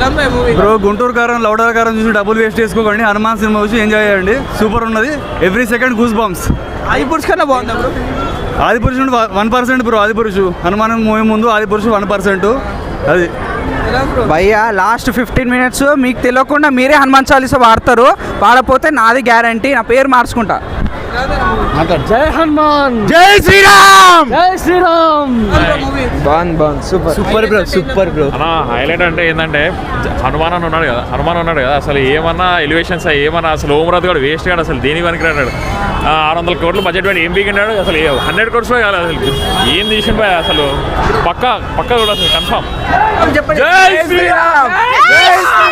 Bro Guntur కారం louder కారం చూసి డబ్బులు వేస్ట్ చేసుకోకండి. హనుమాన్ సినిమా చూసి ఎంజాయ్ చేయండి. సూపర్ ఉన్నది. Every second goose bumps. Adipurush కన్నా బాగుందా bro? Adipurush 1% bro. Adipurush Hanuman movie ముందు ఆదిపురుషు 1%. అది భయ్యా లాస్ట్ 15 minutes మీకు తెలియకుండా మీరే హనుమాన్ చాలీసా వాడతారు. వాడపోతే నాది గ్యారంటీ, నా పేరు మార్చుకుంటా. జై హనుమాన్, జై శ్రీరామ్, జై శ్రీరామ్. బాగుంది సూపర్ బ్రో. అన్న హైలైట్ అంటే ఏంటంటే హనుమాన్ ఉన్నాడు కదా, అసలు ఏమన్నా ఎలివేషన్స్ ఏమన్నా అసలు ఓమరాజ్ కూడా వేస్ట్ కాదు. అసలు దేని పనికి రాడు. 600 crores బడ్జెట్ పెట్టి ఏం పీకినాడు అసలు. 100 crores కాదు అసలు. ఏం తీసిన అసలు పక్కా కూడా అసలు కన్ఫామ్. జై శ్రీరామ్, జై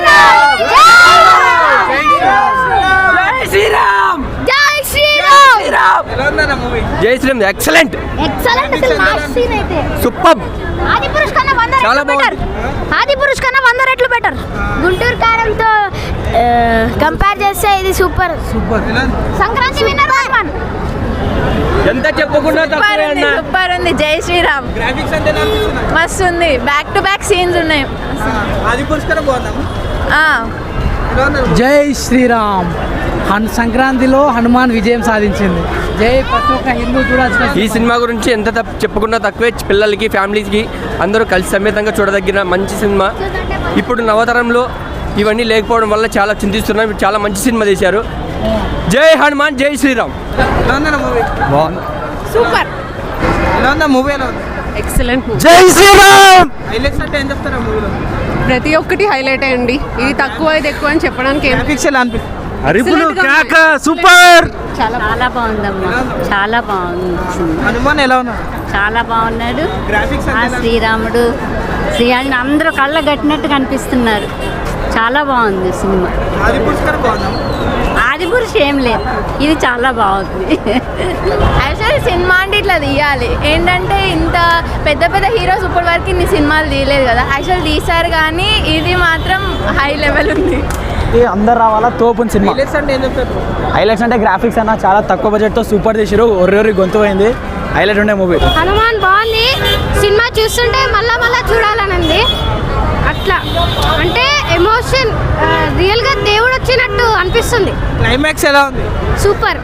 శ్రీరామ్. Excellent super. చాలా బాగుంది. ఆదిపురుష్ కన్నా 100 రెట్లు బెటర్. గుంటూరు కారంతో కంపేర్ చేస్తే ఇది సూపర్. సంక్రాంతి విన్నర్ హనుమాన్. ఎంత చెప్పకుండా సూపర్ ఉంది. జై శ్రీరామ్ మస్తు ఉంది. బ్యాక్ టు బ్యాక్ సీన్స్ ఉన్నాయి. ఆదిపురుష్ కన్నా బాగుందా? జై శ్రీరామ్. సంక్రాంతిలో హనుమాన్ విజయం సాధించింది. జై ప్రతి ఒక్క హిందూ చూడాల్సిన ఈ సినిమా గురించి ఎంత చెప్పుకున్నా తక్కువే. పిల్లలకి ఫ్యామిలీస్కి అందరూ కలిసి సమేతంగా చూడదగిన మంచి సినిమా. ఇప్పుడు నవతరంలో ఇవన్నీ లేకపోవడం వల్ల చాలా చింతిస్తున్నాం. చాలా మంచి సినిమా తీశారు. జై హనుమాన్, జై శ్రీరామ్. సూపర్. మూవీ ఎలా ఉంది? ఎక్సలెంట్. జై శ్రీరామ్. హైలైట్స్ అంటే ఏం చెప్తారా మూవీలో? ప్రతి ఒక్కటి హైలైట్ అయ్యండి. ఇది తక్కువ ఇది ఎక్కువ అని చెప్పడానికి గ్రాఫిక్స్ ఎలా అనిపిస్తుంది? అరిపులు కేక సూపర్. చాలా బాగుందమ్మా, చాలా బాగుంది. హనుమాన్ ఎలా ఉన్నాడు? చాలా బాగున్నాడు. గ్రాఫిక్స్ ఆ శ్రీరాముడు శ్రీరాముడు అందరూ కళ్ళ కట్టినట్టు కనిపిస్తున్నారు. చాలా బాగుంది సినిమా. ఆదిపురుష్ కన్నా బాగుందా? ఆదిపురుష్ ఏం లేదు, ఇది చాలా బాగుంది. యాక్చువల్లీ సినిమా అంటే ఇట్లా తీయాలి. ఏంటంటే ఇంత పెద్ద పెద్ద హీరోస్ ఇప్పటి వరకు ఇన్ని సినిమాలు తీయలేదు కదా. యాక్చువల్ తీశారు కానీ ఇది మాత్రం హై లెవెల్ ఉంది. అందరు రావాలా తోపుని సినిమా. హైలైట్స్ అంటే ఏం చెప్తారు? హైలైట్స్ అంటే గ్రాఫిక్స్ అన్న చాలా తక్కువ బడ్జెట్తో సూపర్ తీసారు. ఒర్రెర్రి గొంతు పోయింది. హైలైట్ ఉండే మూవీ. హనుమాన్ బాగుంది. సినిమా చూస్తుంటే మళ్ళా చూడాలనుంది. అట్లా అంటే ఎమోషన్ రియల్గా దేవుడు వచ్చినట్టు అనిపిస్తుంది. క్లైమాక్స్ ఎలా ఉంది? సూపర్.